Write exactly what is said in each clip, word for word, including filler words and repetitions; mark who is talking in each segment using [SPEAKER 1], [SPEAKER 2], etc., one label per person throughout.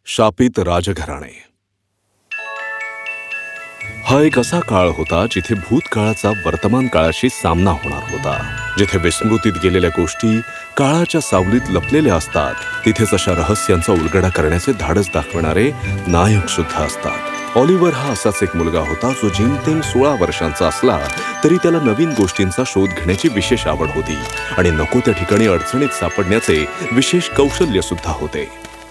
[SPEAKER 1] शापित राजघराणे. हा एक असा काळ होता जिथे भूतकाळाचा वर्तमान काळाशी सामना होणार होता. जिथे विस्मृतीत गेलेल्या गोष्टी काळाच्या सावलीत लपलेल्या असतात, तिथेच अशा रहस्यांचा उलगडा करण्याचे धाडस दाखवणारे नायक सुद्धा असतात. ऑलिव्हर हा असाच एक मुलगा होता जो जेमतेम सोळा वर्षांचा असला तरी त्याला नवीन गोष्टींचा शोध घेण्याची विशेष आवड होती आणि नको त्या ठिकाणी अडचणीत सापडण्याचे विशेष कौशल्य सुद्धा होते.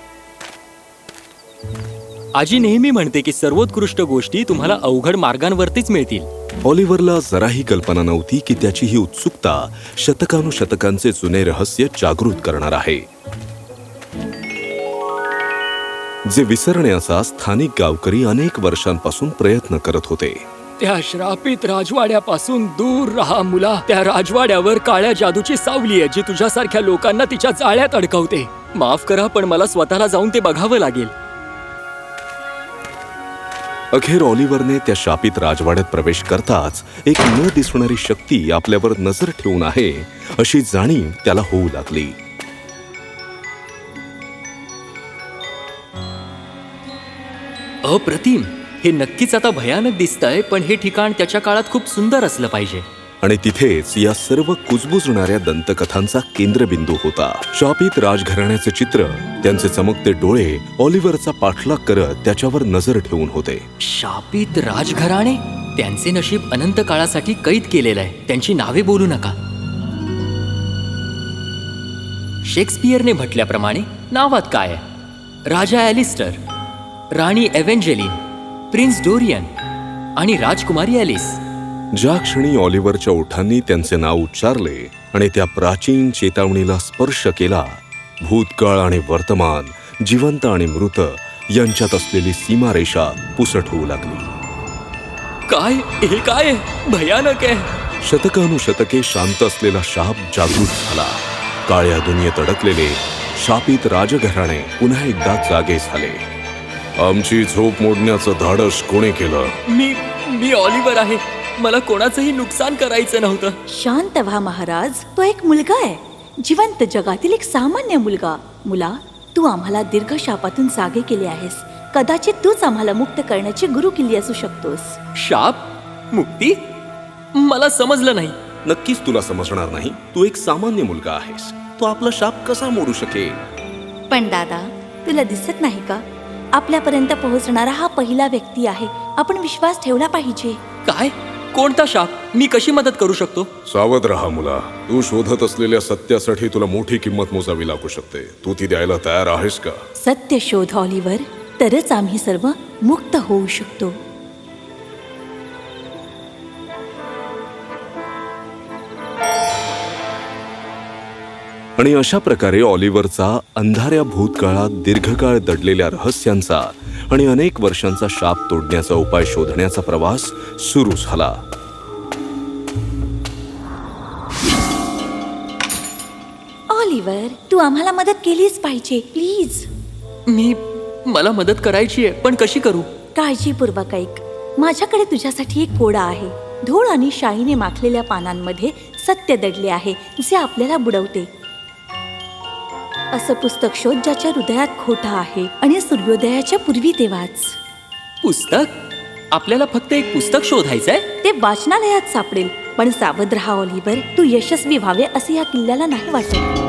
[SPEAKER 2] आजी नेहमी म्हणते की सर्वोत्कृष्ट गोष्टी तुम्हाला अवघड मार्गांवरतीच मिळतील.
[SPEAKER 1] ऑलिव्हरला जराही कल्पना नव्हती की त्याची ही उत्सुकता शतकानुशतकांचे जुने रहस्य जागृत करणार आहे, जे विसरण्याचा स्थानिक गावकरी अनेक वर्षांपासून प्रयत्न करत होते.
[SPEAKER 2] त्या श्रापित राजवाड्यापासून दूर राहा मुला. त्या राजवाड्यावर काळ्या जादूची सावली आहे जी तुझ्यासारख्या लोकांना तिच्या जाळ्यात अडकवते. माफ करा, पण मला स्वतःला जाऊन ते बघावं लागेल.
[SPEAKER 1] अखेर ऑलिव्हरने त्या शापित राजवाड्यात प्रवेश करताच एक न दिसणारी शक्ती आपल्यावर नजर ठेवून आहे अशी जाणीव त्याला होऊ लागली.
[SPEAKER 2] अप्रतिम. हे नक्कीच आता भयानक दिसतंय, पण हे ठिकाण त्याच्या काळात खूप सुंदर असलं पाहिजे.
[SPEAKER 1] आणि तिथेच या सर्व कुजबुजणाऱ्या दंतकथांचा केंद्रबिंदू होता. शापित राजघराण्याचे चित्र, त्यांचे चमकते डोळे ऑलिव्हरचा पाठलाग करत त्याच्यावर नजर ठेवून होते.
[SPEAKER 2] शापित राजघराणे? त्यांचे नशीब अनंत काळासाठी कैद केलेलं आहे. त्यांची नावे बोलू नका. शेक्सपियरने म्हटल्याप्रमाणे नावात काय आहे? राजा ॲलिस्टर, राणी एव्हेंजेलिन, प्रिन्स डोरियन आणि राजकुमारी ॲलिस.
[SPEAKER 1] ज्या क्षणी ऑलिव्हरच्या ओठांनी त्यांचे नाव उच्चारले आणि त्या प्राचीन चेतावणीला स्पर्श केला, भूतकाळ आणि वर्तमान, जिवंत आणि मृत यांच्यात असलेली सीमारेषा पुसट होऊ लागली.
[SPEAKER 2] काय हे काय भयानक आहे.
[SPEAKER 1] शतकानुशतके शांत असलेला शाप जागृत झाला. काळ्या दुनियेत अडकलेले शापित राजघराणे पुन्हा एकदा जागे झाले. आमची झोप मोडण्याचं धाडस कोणी केलं?
[SPEAKER 2] मी मी ऑलिव्हर आहे. मला कोणाचंही नुकसान करायचं नव्हतं.
[SPEAKER 3] शांत व्हा महाराज. तो एक मुलगा आहे, जिवंत जगातील एक सामान्य मुलगा. मुला, तू आम्हाला दीर्घ शापातून जागे केले आहेस. कदाचित तूच आम्हाला मुक्त करण्याची गुरु किल्ली असू शकतोस.
[SPEAKER 2] शाप? मुक्ती? मला समजलं नाही.
[SPEAKER 1] नक्कीच तुला समजणार नाही. तू एक सामान्य मुलगा आहेस. तो आपला शाप कसा मोडू शकेल?
[SPEAKER 3] पण दादा, तुला दिसत नाही का? आपल्यापर्यंत पोहोचणारा हा पहिला व्यक्ती आहे. आपण विश्वास ठेवला पाहिजे.
[SPEAKER 2] काय? कोणता शाप? मी कशी मदत करू शकतो?
[SPEAKER 1] सावध राहा मुला. तू शोधत असलेल्या सत्यासाठी तुला मोठी किंमत मोजावी लागू शकते. तू ती द्यायला तयार आहेस का?
[SPEAKER 3] सत्य शोध ऑलिव्हर, तरच आम्ही सर्व मुक्त होऊ शकतो.
[SPEAKER 1] आणि अशा प्रकारे ऑलिव्हरचा अंधाऱ्या भूतकाळात दीर्घकाळ दडलेल्या रहस्यांचा आणि अनेक वर्षांचा शाप तोडण्याचा उपाय शोधण्याचा प्रवास सुरू झाला.
[SPEAKER 3] ऑलिव्हर, तू आम्हाला मदत केलीच पाहिजे, प्लीज.
[SPEAKER 2] मी मला मदत करायची आहे, पण कशी करू?
[SPEAKER 3] काळजीपूर्वक ऐक. माझ्याकडे तुझ्यासाठी एक कोडा आहे. धूळ आणि शाईने माखलेल्या पानांमध्ये सत्य दडले आहे जे आपल्याला बुडवते. असं पुस्तक शोध ज्याच्या हृदयात खोटा आहे आणि सूर्योदयाच्या पूर्वी ते वाच.
[SPEAKER 2] पुस्तक? आपल्याला फक्त एक पुस्तक शोधायचंय?
[SPEAKER 3] ते वाचनालयात सापडेल. पण सावध राहा ऑलिव्हर, तू यशस्वी व्हावे असे या किल्ल्याला नाही वाटत.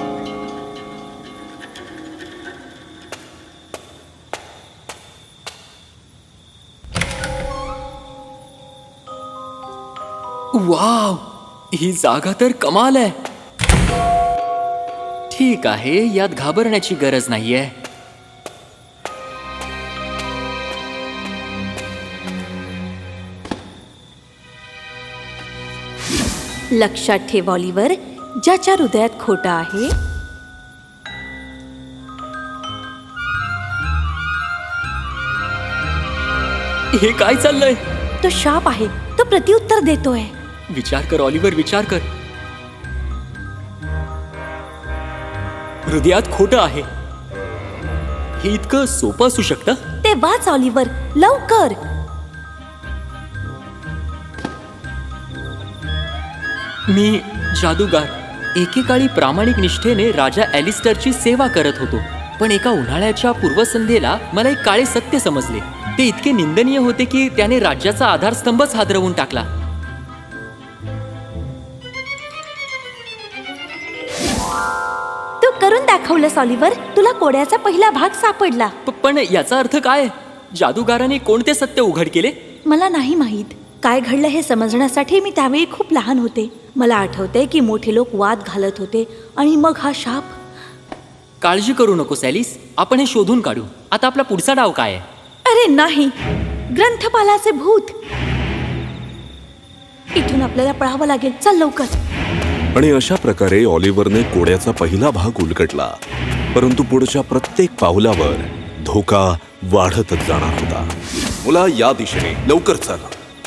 [SPEAKER 2] वाव, ही जागा तर कमाल आहे. ठीक आहे, यात घाबरण्याची गरज नाहीये.
[SPEAKER 3] लक्षात ठेव ऑलिव्हर, ज्याच्या हृदयात खोटा आहे
[SPEAKER 2] हे काय चाललंय?
[SPEAKER 3] तो शाप आहे. तो प्रत्युत्तर देतोय.
[SPEAKER 2] विचार कर ऑलिव्हर, विचार कर. हृदयात खोटं आहे. हे इतकं सोपं असू शकतं?
[SPEAKER 3] ते वाच ऑलिव्हर, लवकर.
[SPEAKER 2] मी जादूगार, एकेकाळी प्रामाणिक निष्ठेने राजा ॲलिस्टरची सेवा करत होतो. पण एका उन्हाळ्याच्या पूर्वसंध्येला मला एक काळे सत्य समजले. ते इतके निंदनीय होते की त्याने राज्याचा आधारस्तंभच हादरवून टाकला.
[SPEAKER 3] तू करून दाखवलंस ऑलिव्हर. तुला कोड्याचा पहिला भाग सापडला.
[SPEAKER 2] प- पण याचा अर्थ काय? जादूगाराने कोणते सत्य उघड केले?
[SPEAKER 3] मला नाही माहीत काय घडलं हे समजण्यासाठी मी त्यावेळी खूप लहान होते. मला आठवते की मोठे लोक वाद घालत होते आणि मग हा शाप.
[SPEAKER 2] काळजी करू नको सॅलिस, आपण हे शोधून काढू. आता आपला पुढचा डाव काय आहे?
[SPEAKER 3] अरे नाही, ग्रंथपालाचे भूत. इथून आपल्याला पळावं लागेल. चल लवकर.
[SPEAKER 1] आणि अशा प्रकारे ऑलिव्हरने कोड्याचा पहिला भाग उलगडला. परंतु पुढच्या प्रत्येक पावलावर धोका वाढतच जाणार होता. मुला, या दिशेने लवकर चल.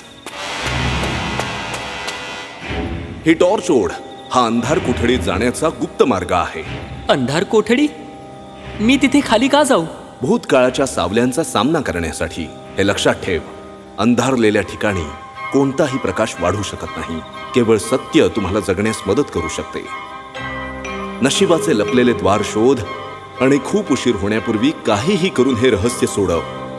[SPEAKER 1] ही टॉर्च ओढ. हा अंधार कोठडीत जाण्याचा गुप्त मार्ग आहे.
[SPEAKER 2] अंधार कोठडी? मी तिथे खाली का जाऊ?
[SPEAKER 1] भूतकाळाच्या सावल्यांचा सामना करण्यासाठी. हे लक्षात ठेव, अंधारलेल्या ठिकाणी कोणताही प्रकाश वाढू शकत नाही. केवळ सत्य तुम्हाला जगण्यास मदत करू शकते. नशिबाचे लपलेले द्वार शोध आणि खूप उशीर होण्यापूर्वी काहीही करून हे रहस्य सोडव.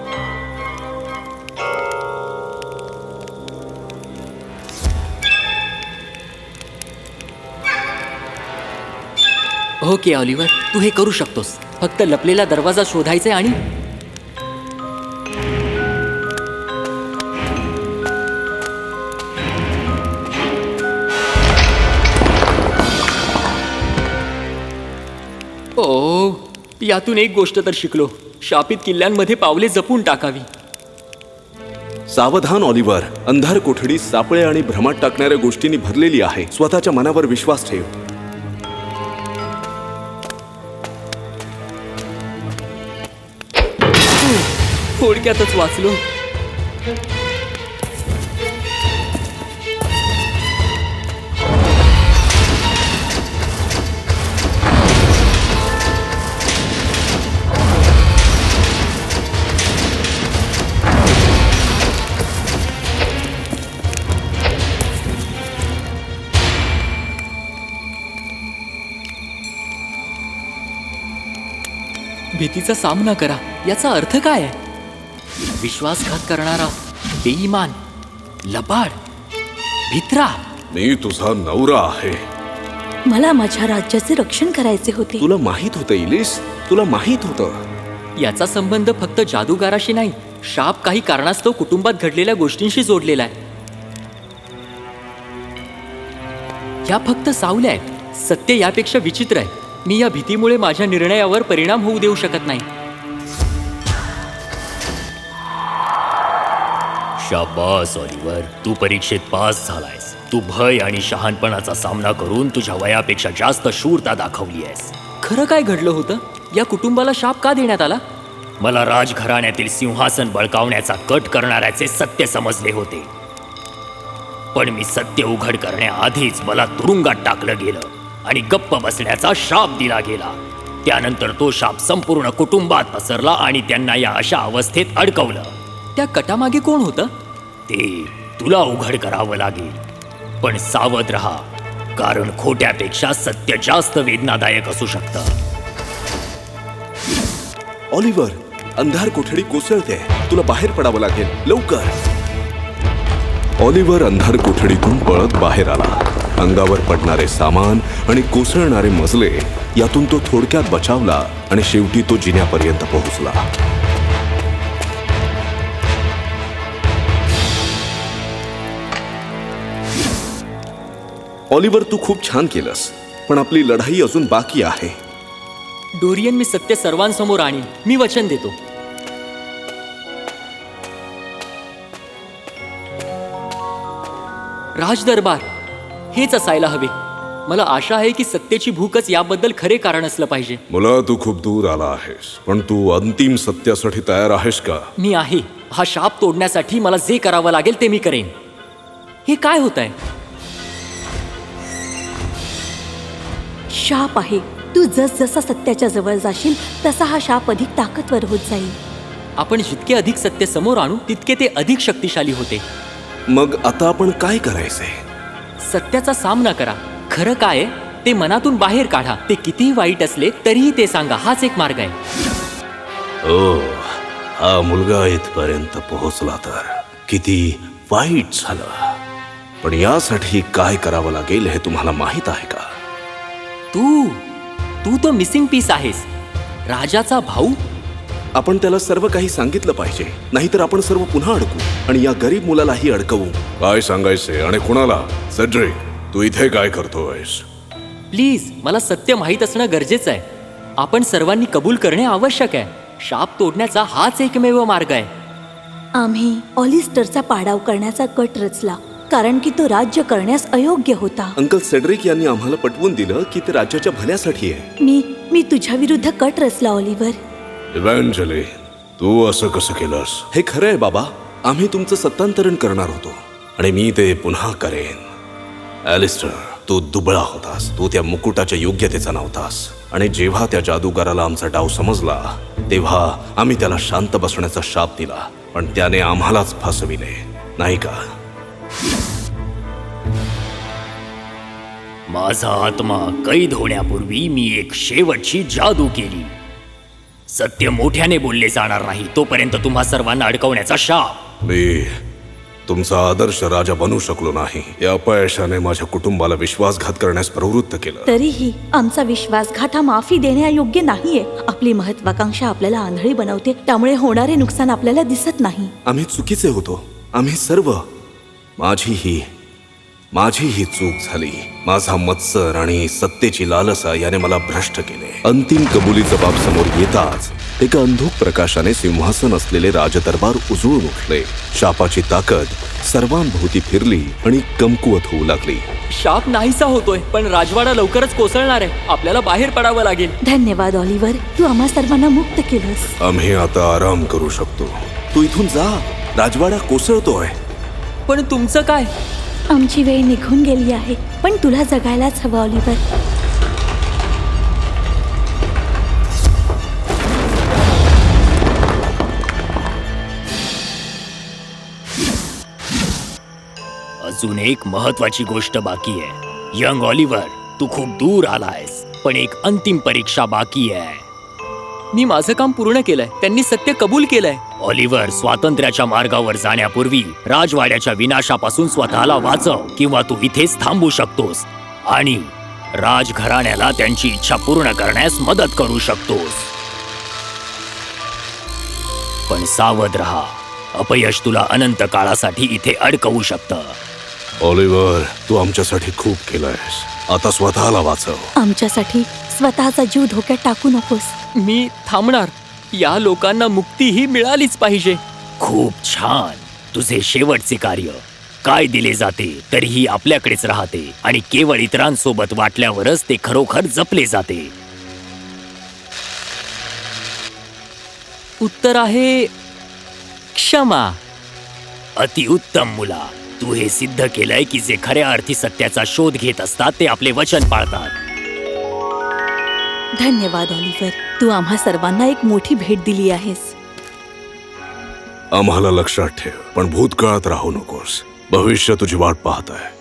[SPEAKER 2] ओके ऑलिव्हर, तू हे करू शकतोस. फक्त लपलेला दरवाजा शोधायचा आणि ओ, यातून एक गोष्ट तर शिकलो. शापित किल्ल्यांमध्ये पावले जपून टाकावी.
[SPEAKER 1] सावधान ऑलिव्हर. अंधार कोठडी सापळे आणि भ्रमात टाकणाऱ्या गोष्टींनी भरलेली आहे. स्वतःच्या मनावर विश्वास ठेव.
[SPEAKER 2] थोडक्यातच वाचलो. भीतीचा सामना करा याचा अर्थ काय आहे? विश्वासघात करणारा, बेईमान, लबाड, भित्रा.
[SPEAKER 1] मी तुझा नवरा आहे.
[SPEAKER 3] मला माझ्या राज्याचे रक्षण करायचे होते.
[SPEAKER 1] तुला माहित होतं इलिस, तुला माहित होतं.
[SPEAKER 2] याचा संबंध फक्त जादूगाराशी नाही, शाप काही कारणास्तव कुटुंबात घडलेल्या गोष्टींशी जोडलेला आहे. या फक्त सावल्या आहेत. सत्य यापेक्षा विचित्र आहे. मी या भीतीमुळे माझ्या निर्णयावर परिणाम होऊ देऊ शकत नाही.
[SPEAKER 4] शाबास ऑलिव्हर, तू परीक्षेत पास झालायस. तू भय आणि शहाणपणाचा सामना करून तुझ्या वयापेक्षा जास्त शूरता दाखवली आहेस.
[SPEAKER 2] खरं काय घडलं होतं? या कुटुंबाला शाप का देण्यात आला?
[SPEAKER 4] मला राजघराण्यातील सिंहासन बळकावण्याचा कट करणाऱ्याचे सत्य समजले होते. पण मी सत्य उघड करण्याआधीच मला तुरुंगात टाकलं गेलं आणि गप्प बसण्याचा शाप दिला गेला. त्यानंतर तो शाप संपूर्ण कुटुंबात पसरला आणि त्यांना या अशा अवस्थेत अडकवलं.
[SPEAKER 2] त्या कटामागे कोण होतं?
[SPEAKER 4] ते तुला उघड करावं लागेल. पण सावध राहा, कारण खोट्यापेक्षा सत्य जास्त वेदनादायक असू शकतं.
[SPEAKER 1] ऑलिव्हर, अंधार कोठडी कोसळते. तुला बाहेर पडावं लागेल. लवकर. ऑलिव्हर अंधार कोठडीतून पळत बाहेर आला. अंगावर पडणारे सामान आणि कोसळणारे मजले यातून तो थोडक्यात बचावला आणि शेवटी तो जिन्यापर्यंत पोहोचला. ऑलिव्हर, तू खूप छान केलंस, पण आपली लढाई अजून बाकी आहे.
[SPEAKER 2] डोरियन, मी सत्य सर्वांसमोर आणीन. मी वचन देतो. राजदरबार हेच असायला हवे. मला आशा आहे की सत्तेची भूकच याबद्दल खरे कारण असलं पाहिजे.
[SPEAKER 1] मुला, तू खूप दूर आला आहेस, पण तू अंतिम सत्यासाठी तयार आहेस का?
[SPEAKER 2] मी आहे. हा शाप तोडण्यासाठी मला जे करावं लागेल ते मी करेन. हे काय होत आहे?
[SPEAKER 3] शाप आहे. तू जसजसा सत्याच्या जवळ जाशील तसा हा शाप अधिक ताकदवर होत जाईल.
[SPEAKER 2] आपण जितके अधिक सत्य समोर आणू तितके ते अधिक शक्तिशाली होते.
[SPEAKER 1] मग आता आपण काय करायचंय?
[SPEAKER 2] सत्याचा सामना करा. खरं काय आहे ते मनातून बाहेर काढा. ते कितीही वाईट असले तरीही ते सांगा. हाच एक मार्ग आहे.
[SPEAKER 1] ओ हा मुलगा इथपर्यंत पोहोचला तर किती वाईट झालं. पण यासाठी काय करावं लागेल हे तुम्हाला माहित आहे का?
[SPEAKER 2] तू तू तो मिसिंग पीस आहेस. राजाचा भाऊ.
[SPEAKER 1] आपण त्याला सर्व काही सांगितलं पाहिजे, नाहीतर आपण सर्व पुन्हा अडकू आणि या गरीब मुलालाही अडकवू. काय सांगायचे आणि कुणाला? सेड्रिक, तू इथे काय करतोयस?
[SPEAKER 2] प्लीज, मला सत्य माहीत असणं गरजेचं आहे. आपण सर्वांनी कबूल करणे आवश्यक आहे. शाप तोडण्याचा हाच एकमेव मार्ग आहे.
[SPEAKER 3] आम्ही ऑलिस्टरचा पाडाव करण्याचा कट रचला, कारण की तो राज्य करण्यास अयोग्य होता.
[SPEAKER 1] अंकल सेड्रिक यांनी आम्हाला पटवून दिलं की ते राज्याच्या भल्यासाठी आहे.
[SPEAKER 3] मी मी तुझ्या विरुद्ध कट रचला ऑलिव्हर.
[SPEAKER 1] इव्हॅन्जेलिन, तू असं कसं केलंस? हे खरं आहे बाबा. आम्ही तुमचं सत्तांतरण करणार होतो आणि मी ते पुन्हा करेन. ॲलिस्टर, तू दुबळा होतास. तू त्या मुकुटाच्या योग्यतेचा नव्हतास. आणि जेव्हा त्या जादूगाराला आमचा डाव समजला तेव्हा आम्ही त्याला शांत बसण्याचा शाप दिला, पण त्याने आम्हालाच फसविले, नाही का?
[SPEAKER 4] माझा आत्मा कैद होण्यापूर्वी मी एक शेवटची जादू केली. सत्य मोठ्याने बोलले जाणार नाही तोपर्यंत तुम्हा सर्वांना अडकवण्याचा शाप.
[SPEAKER 1] मी तुमचा आदर्श राजा बनू शकलो नाही. या अपयशाने माझ्या कुटुंबाला विश्वासघात करण्यास प्रवृत्त केलं.
[SPEAKER 3] तरीही आमचा विश्वासघात हा माफी देण्यायोग्य नाहीये. आपली महत्वाकांक्षा आपल्याला आंधळी बनवते, त्यामुळे होणारे नुकसान आपल्याला दिसत नाही.
[SPEAKER 1] आम्ही चुकीचे होतो. आम्ही सर्व. माझीही माझीही चूक झाली. माझा मत्सर आणि सत्तेची लालसा याने मला भ्रष्ट केले. अंतिम कबुली जबाब समोर येताच एका अंधुक प्रकाशाने सिंहासन असलेले राजदरबार उजळून उठले. शापाची ताकद सर्वांभोवती फिरली आणि कमकुवत होऊ लागली.
[SPEAKER 2] शाप नाहीसा होतोय, पण राजवाडा लवकरच कोसळणार आहे. आपल्याला बाहेर पडावं लागेल.
[SPEAKER 3] धन्यवाद ऑलिव्हर, तू आम्हा सर्वांना मुक्त केलंस.
[SPEAKER 1] आम्ही आता आराम करू शकतो. तू इथून जा. राजवाडा कोसळतोय.
[SPEAKER 2] पण तुमचं काय?
[SPEAKER 3] आमची वेळ निघून गेली आहे, पण तुला जगायलाच हवं ऑलिव्हर.
[SPEAKER 4] अजून एक महत्वाची गोष्ट बाकी आहे. यंग ऑलिव्हर, तू खूप दूर आलायस, पण एक अंतिम परीक्षा बाकी आहे.
[SPEAKER 2] मी माझं काम पूर्ण केलंय. त्यांनी सत्य कबूल केलंय.
[SPEAKER 4] ऑलिव्हर, स्वातंत्र्याच्या मार्गावर जाण्यापूर्वी राजवाड्याच्या विनाशापासून स्वतःला वाचव, किंवा तू इथेच थांबू शकतोस आणि राजघराण्याला त्यांची इच्छा पूर्ण करण्यास मदत करू शकतोस. पण सावध राहा. अपयश तुला अनंत काळासाठी इथे अडकवू शकतं.
[SPEAKER 1] ऑलिव्हर, तू आमच्यासाठी खूप केलंयस. आता स्वतःला वाचव.
[SPEAKER 3] आमच्यासाठी स्वतःचा जीव धोक्यात टाकू नकोस.
[SPEAKER 2] मी थांबणार. या लोकांना मुक्तीही मिळालीच पाहिजे.
[SPEAKER 4] खूप छान. तुझे शेवटचे कार्य काय दिले जाते तरीही आपल्याकडेच राहते आणि केवळ इतरांसोबत वाटल्यावरच ते खरोखर जपले जाते.
[SPEAKER 2] उत्तर आहे क्षमा.
[SPEAKER 4] अतिउत्तम मुला. तू हे सिद्ध केलंय की जे खऱ्या अर्थी सत्याचा शोध घेत असतात ते आपले वचन पाळतात.
[SPEAKER 3] धन्यवाद ऑलिव्हर, तू आम्हा सर्वांना एक मोठी भेट दिली आहेस.
[SPEAKER 1] आम्हाला लक्षात ठेव, पण भूतकाळात राहू नकोस. भविष्य तुझी वाट पाहत आहे.